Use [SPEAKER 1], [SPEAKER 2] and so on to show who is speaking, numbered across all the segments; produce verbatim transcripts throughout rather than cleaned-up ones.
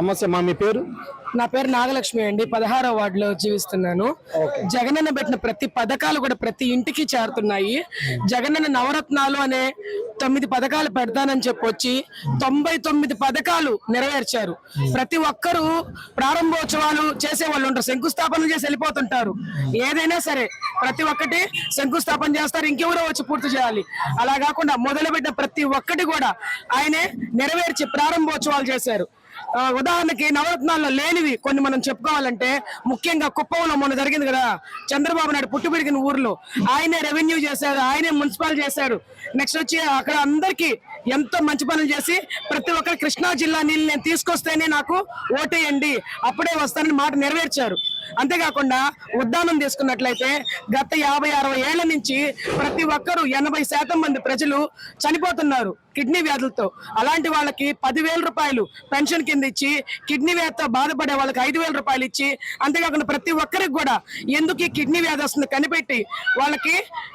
[SPEAKER 1] నమస్తే మా, మీ పేరు?
[SPEAKER 2] నా పేరు నాగలక్ష్మి అండి. పదహారో వార్డులో జీవిస్తున్నాను. జగనన్న పెట్టిన ప్రతి పథకాలు కూడా ప్రతి ఇంటికి చేరుతున్నాయి. జగనన్న నవరత్నాలు అనే తొమ్మిది పథకాలు పెడతానని చెప్పొచ్చి తొంభై తొమ్మిది పథకాలు నెరవేర్చారు. ప్రతి ఒక్కరూ ప్రారంభోత్సవాలు చేసే వాళ్ళు ఉంటారు, శంకుస్థాపన చేసి వెళ్ళిపోతుంటారు. ఏదైనా సరే ప్రతి ఒక్కటి శంకుస్థాపన చేస్తారు, ఇంకెవరో వచ్చి పూర్తి చేయాలి. అలా కాకుండా మొదలుపెట్టిన ప్రతి ఒక్కటి కూడా ఆయనే నెరవేర్చి ప్రారంభోత్సవాలు చేశారు. ఉదాహరణకి నవరత్నాల్లో లేనివి కొన్ని మనం చెప్పుకోవాలంటే, ముఖ్యంగా కుప్పంలో మొన్న జరిగింది కదా, చంద్రబాబు నాయుడు పుట్టి పెరిగిన ఊర్లో ఆయనే రెవెన్యూ చేశారు, ఆయనే మున్సిపల్ చేశారు. నెక్స్ట్ వచ్చి అక్కడ అందరికీ ఎంతో మంచి పనులు చేసి ప్రతి ఒక్కరు కృష్ణా జిల్లా నీళ్ళు నేను తీసుకొస్తేనే నాకు ఓటేయండి అప్పుడే వస్తానని మాట నెరవేర్చారు. అంతేకాకుండా ఉద్దానం తీసుకున్నట్లయితే గత యాభై అరవై ఏళ్ల నుంచి ప్రతి ఒక్కరు ఎనభై శాతం మంది ప్రజలు చనిపోతున్నారు కిడ్నీ వ్యాధులతో. అలాంటి వాళ్ళకి పదివేల రూపాయలు పెన్షన్ కింద ఇచ్చి, కిడ్నీ వ్యాధితో బాధపడే వాళ్ళకి ఐదు వేల రూపాయలు ఇచ్చి, అంతేకాకుండా ప్రతి ఒక్కరికి కూడా ఎందుకు ఈ కిడ్నీ వ్యాధి వస్తుంది కనిపెట్టి వాళ్ళకి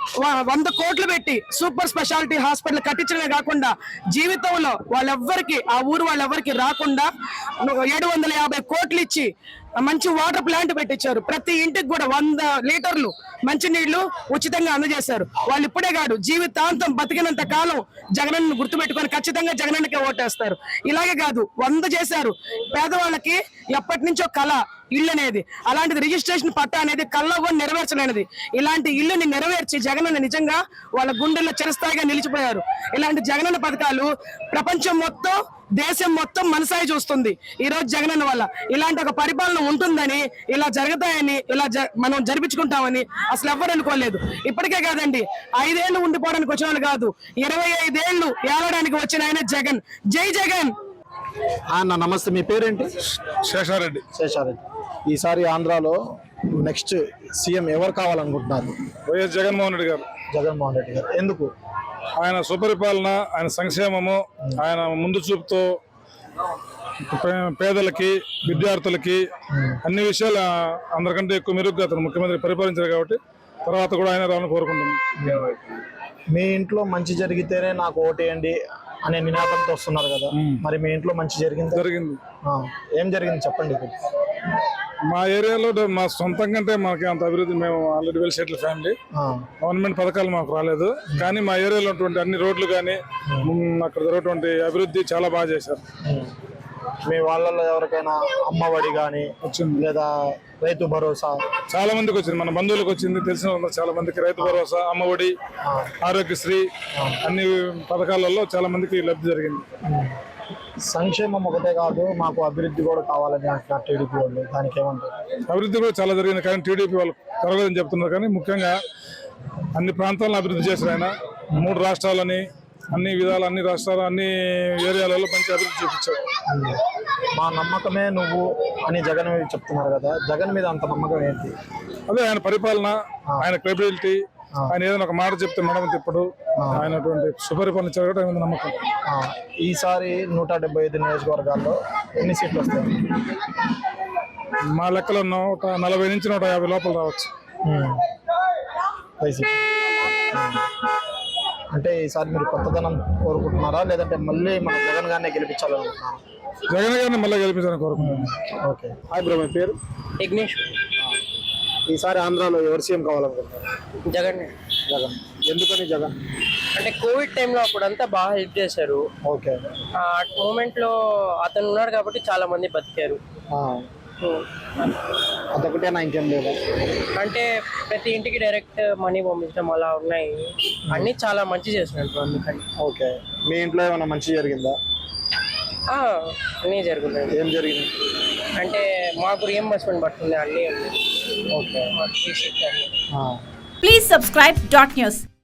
[SPEAKER 2] వంద కోట్లు పెట్టి సూపర్ స్పెషాలిటీ హాస్పిటల్ కట్టించడమే కాకుండా జీవితంలో వాళ్ళెవ్వరికి ఆ ఊరు వాళ్ళెవ్వరికి రాకుండా ఏడు వందల యాభై కోట్లు ఇచ్చి మంచి వాటర్ ప్లాంట్ పెట్టించారు. ప్రతి ఇంటికి కూడా వంద లీటర్లు మంచినీళ్లు ఉచితంగా అందజేశారు. వాళ్ళు ఇప్పుడే కాదు, జీవితాంతం బతికినంత కాలం జగనన్న గుర్తుపెట్టుకొని ఖచ్చితంగా జగనన్నకే ఓటేస్తారు. ఇలాగే కాదు, వంద చేశారు. పేదవాళ్ళకి ఎప్పటి నుంచో కళ ఇల్లు అనేది, అలాంటిది రిజిస్ట్రేషన్ పట్టా అనేది కళ్ళలో కూడా నెరవేర్చలేనిది. ఇలాంటి ఇల్లుని నెరవేర్చి జగనన్న నిజంగా వాళ్ళ గుండెల్లో చిరస్థాయిగా నిలిచిపోయారు. ఇలాంటి జగనన్న పథకాలు ప్రపంచం మొత్తం, దేశం మొత్తం మనసాయి చూస్తుంది ఈ రోజు జగనన్న వల్ల. ఇలాంటి ఒక పరిపాలన ఉంటుందని, ఇలా జరుగుతాయని, ఇలా మనం జరిపించుకుంటామని అసలు ఎవ్వరు అనుకోలేదు. ఇప్పటికే కాదండి, ఐదేళ్లు ఉండిపోవడానికి వచ్చిన వాళ్ళు కాదు, ఇరవై ఐదేళ్లు ఏలడానికి వచ్చిన ఆయన జగన్. జై జగన్.
[SPEAKER 1] అన్న నమస్తే, మీ పేరేంటి?
[SPEAKER 3] శేషారెడ్డి.
[SPEAKER 1] శేషారెడ్డి. ఈసారి ఆంధ్రాలో నెక్స్ట్ సీఎం ఎవరు కావాలనుకుంటున్నారు?
[SPEAKER 3] వైఎస్ జగన్మోహన్ రెడ్డి గారు.
[SPEAKER 1] జగన్మోహన్ రెడ్డి గారు. ఎందుకు?
[SPEAKER 3] ఆయన సుపరిపాలన, ఆయన సంక్షేమము, ఆయన ముందు చూపుతో పేదలకి, విద్యార్థులకి అన్ని విషయాలు అందరికంటే ఎక్కువ మెరుగ్గా అతను ముఖ్యమంత్రి పరిపాలించారు కాబట్టి తర్వాత కూడా ఆయన రావాలని కోరుకుంటున్నాను.
[SPEAKER 1] మీ ఇంట్లో మంచి జరిగితేనే నాకు ఓటేయండి అనే నినాదంతో వస్తున్నారు కదా, మరి మీ ఇంట్లో మంచి జరిగింది?
[SPEAKER 3] జరిగింది.
[SPEAKER 1] ఏం జరిగింది చెప్పండి.
[SPEAKER 3] మా ఏరియాలో మా సొంతంగా అంటే మాకు అంత అభివృద్ధి, మేము already well settle family, government పథకాలు మాకు రాలేదు. కానీ మా ఏరియాలో ఉన్నటువంటి అన్ని రోడ్లు కానీ అక్కడ జరుగుతున్నటువంటి అభివృద్ధి చాలా బాగా చేశారు.
[SPEAKER 1] మీ వాళ్ళలో ఎవరికైనా అమ్మఒడి కానీ వచ్చింది, లేదా రైతు భరోసా?
[SPEAKER 3] చాలా మందికి వచ్చింది, మన బంధువులకు వచ్చింది, తెలిసిన చాలా మందికి రైతు భరోసా, అమ్మఒడి, ఆరోగ్యశ్రీ అన్ని పథకాలలో చాలా మందికి లబ్ధి జరిగింది.
[SPEAKER 1] సంక్షేమం ఒకటే కాదు, మాకు అభివృద్ధి కూడా కావాలని అంటున్నారు టీడీపీ వాళ్ళు, దానికి ఏమంటారు?
[SPEAKER 3] అభివృద్ధి కూడా చాలా జరిగింది, కానీ టీడీపీ వాళ్ళు జరగదని చెప్తున్నారు. కానీ ముఖ్యంగా అన్ని ప్రాంతాలను అభివృద్ధి చేశారు ఆయన. మూడు రాష్ట్రాలని, అన్ని విధాలు, అన్ని రాష్ట్రాలు, అన్ని ఏరియాలలో మంచి అభివృద్ధి చూపించారు.
[SPEAKER 1] మా నమ్మకమే నువ్వు అని జగన్ చెప్తున్నారు కదా, జగన్ మీద అంత నమ్మకం ఏంటి?
[SPEAKER 3] అదే ఆయన పరిపాలన, ఆయన క్రెడిబిలిటీ, ఆయన ఏదైనా ఒక మాట చెప్తే మేడం తిప్పడు, ఆయనటువంటి సుపరిపాలన జరగడం ఆయన నమ్మకం.
[SPEAKER 1] ఈసారి నూట డెబ్బై ఐదు నియోజకవర్గాల్లో ఎన్ని సీట్లు వస్తాయి?
[SPEAKER 3] మా లెక్కలో నూట నలభై నుంచి నూట యాభై లోపల రావచ్చు.
[SPEAKER 1] వైసీపీ అంటే ఈసారి మీరు కొత్తదనం కోరుకుంటున్నారా, లేదంటే మళ్ళీ మన జగన్ గారినే గెలిపించాలనుకుంటున్నారా?
[SPEAKER 3] జగన్ గారిని మళ్ళీ గెలిపించాలని కోరుకుంటున్నాను.
[SPEAKER 1] ఓకే. హాయ్ బ్రో, మీ పేరు?
[SPEAKER 2] విఘ్నేష్.
[SPEAKER 1] ఈసారి ఆంధ్రాలో ఎవరు సీఎం కావాలనుకుంటున్నారు?
[SPEAKER 2] జగన్.
[SPEAKER 1] జగన్. ఎందుకని జగన్?
[SPEAKER 2] అంటే కోవిడ్ టైంలో అప్పుడంతా బాగా హెల్ప్ చేశారు.
[SPEAKER 1] ఓకే.
[SPEAKER 2] ఆ మూమెంట్ లో అతను ఉన్నాడు కాబట్టి చాలా మంది బతికారు.
[SPEAKER 1] అదొకటేనా, ఇంకేం లేదా?
[SPEAKER 2] అంటే ప్రతి ఇంటికి డైరెక్ట్ మనీ పంపించడం అలా ఉన్నాయి, అన్ని చాలా మంచి చేసినట్టు అందుకని.
[SPEAKER 1] ఓకే. మీ ఇంట్లో ఏమైనా మంచి జరిగిందా?
[SPEAKER 2] అన్నీ జరుగుతుంది.
[SPEAKER 1] ఏం జరిగింది?
[SPEAKER 2] అంటే మాకు రియంబర్స్మెంట్ పడుతుంది అన్నీ.
[SPEAKER 1] Okay.
[SPEAKER 2] Please
[SPEAKER 4] subscribe dot news.